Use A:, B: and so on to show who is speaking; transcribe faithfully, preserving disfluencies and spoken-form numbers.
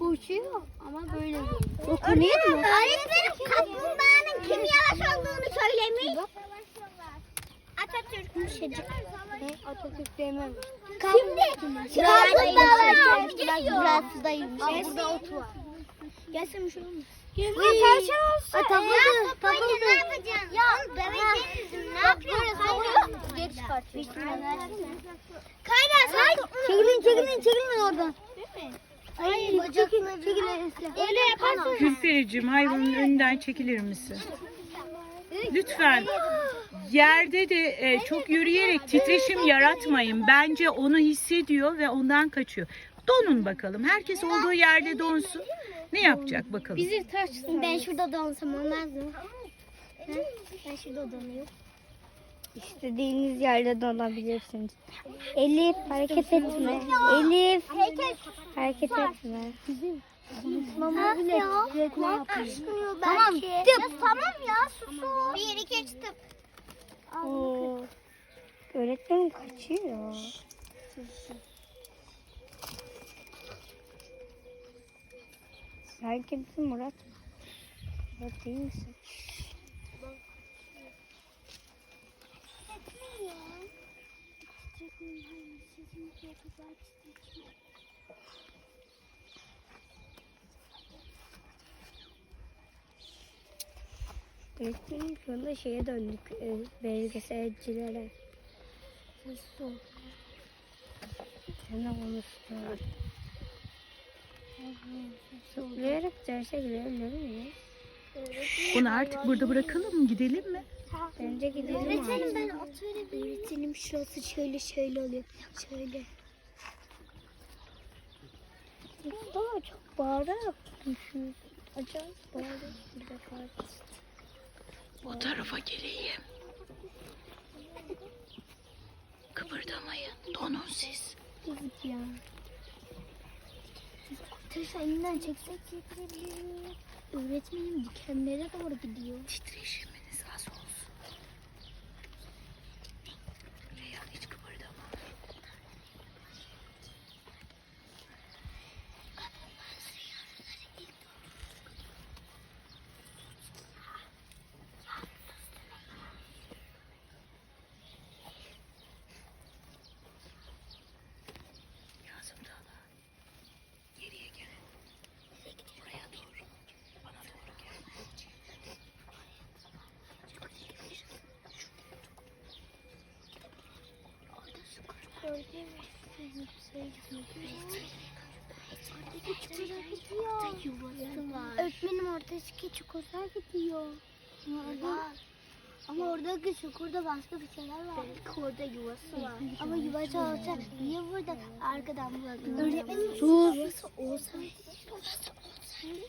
A: Uçuyor ama böyle
B: Dokunuyor mu? Öğretmenim kaplumbağanın kim yavaş olduğunu söylemiş. Atatürk. Yumuşacık.
A: Atatürk demem.
B: Şimdi kaplumbağalar geliyor.
A: Burası da yumuşak.
B: Aa, burada ot var. Gelsin şu olmuş.
A: Buraya tavşan olsa.
B: Ya sopayla ne yapacaksın? Ya döveceğiz. Ne yapıyorsun?
A: Geri çıkartıyor.
B: Kayra sen
A: Çekilin çekilin çekilin oradan.
B: Hayır bacakları. Öyle yaparsan.
C: Gülpericiğim, hayvanın önünden çekilir misin? Lütfen. Yerde de e, çok yürüyerek titreşim yaratmayın. Bence onu hissediyor ve ondan kaçıyor. Donun bakalım. Herkes olduğu yerde donsun. Ne yapacak bakalım?
A: Bizi taş.
B: Ben şurada donsam olmaz mı? Ha? Ben şurada donuyorum.
A: İstediğiniz yerde donabilirsiniz. Elif hareket etme. Elif hareket etme.
B: Konuşmamı bile düzeltme yapıyor.
A: Tamam,
B: Belki. Ya tamam ya susun. Bir iki üç tıp.
A: Oo. Öğretmenim kaçıyor. Sen kimsin Murat? Murat değil misin? Öğretmenim şu anda şeye döndük. E, belgeselcilere. Su. Sen de konuştun. Zıplayarak derse girebilir miyiz?
C: Bunu artık burada bırakalım mı? Gidelim mi?
A: Bence gidelim
B: Öğretmenim
A: artık.
B: ben oturuyorum. Öğretmenim şurası şöyle şöyle oluyor. Şöyle.
A: Mustafa çok bağırarak düşüyor. Acayip bağırarak bir defa.
C: O tarafa geleyim. Kıpırdamayın. Donun siz.
B: Yazık ya. Taşı elinden çeksek çekebilir miyim? Öğretmenim dikenlere doğru gidiyor.
C: Titreşiminiz az olsun. Reyhan hiç kıpırdama. Yazım Dağla. Geriye gelin. Buraya doğru. Bana doğru gel.
B: Öğretmenim oradaki çukurlar gidiyor. Orada. Ama oradaki çukurda başka bir şeyler var. Belki orada yuvası var. Ama yuvası olsa niye burada arkadan bulalım? Öğretmenim yuvası olsaydı. Yuvası olsaydı.